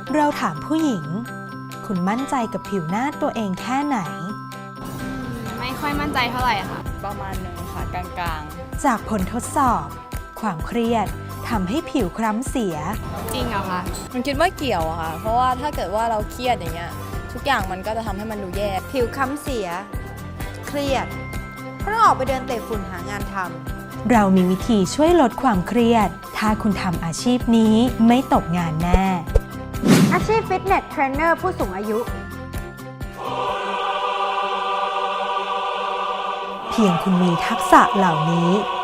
เราถามผู้หญิง คุณมั่นใจกับผิวหน้าตัวเองแค่ไหนไม่ค่อยมั่นใจเท่าไหร่ค่ะประมาณหนึ่งค่ะกลางจากผลทดสอบ ความเครียดทำให้ผิวคล้ำเสียจริงเหรอคะๆมันคิดว่าเกี่ยวอะค่ะ เพราะว่าถ้าเกิดว่าเราเครียดอย่างเงี้ยทุกอย่างมันก็จะทำให้มันดูแย่ผิวค้ำเสีย เครียดเพราะต้องออกไปเดินเตะฝุ่นหางานทำเรามีวิธีช่วยลดความเครียด ถ้าคุณทำอาชีพนี้ไม่ตกงานแน่อาชีพฟิตเนสเทรนเนอร์ผู้สูงอายุเพียงคุณมีทักษะเหล่านี้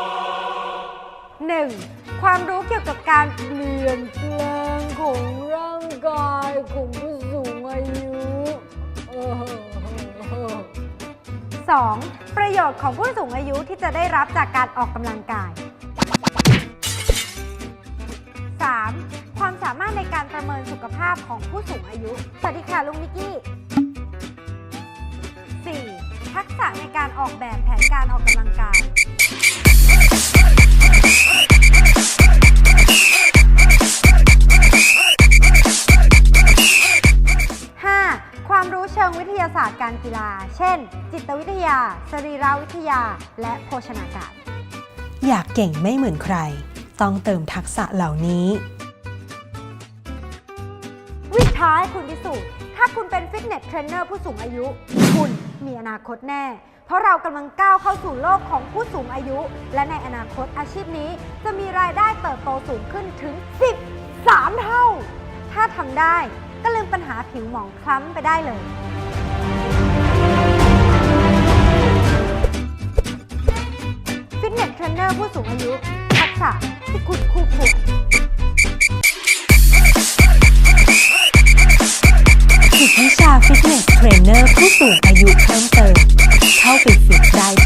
1. ความรู้เกี่ยวกับการเปลี่ยนแปลงของร่างกายของผู้สูงอายุ 2. ประโยชน์ของผู้สูงอายุที่จะได้รับจากการออกกำลังกาย 3. ความสามารถในการประเมินสุขภาพของผู้สูงอายุ สวัสดีค่ะลุงนิกกี้ 4. ทักษะในการออกแบบแผนการออกกำลังกาย 5. ความรู้เชิงวิทยาศาสตร์การกีฬา เช่น จิตวิทยา สรีรวิทยา และโภชนาการอยากเก่งไม่เหมือนใคร ต้องเติมทักษะเหล่านี้วิท้ายคุณพิสูจน์ถ้าคุณเป็นฟิตเนสเทรนเนอร์ผู้สูงอายุ คุณมีอนาคตแน่ เพราะเรากำลังก้าวเข้าสู่โลกของผู้สูงอายุ และในอนาคตอาชีพนี้จะมีรายได้เติบโตสูงขึ้นถึง 13 เท่า ถ้าทำได้ก็ลืมปัญหาผิวหมองคล้ำไปได้เลย ฟิตเนสเทรนเนอร์ผู้สูงอายุ ทักษะที่คุณคู่ควรฝึกวิชาฟิตเนสเทรนเนอร์ผู้สูงอายุเพิ่มเติม เข้าไปฝึกได้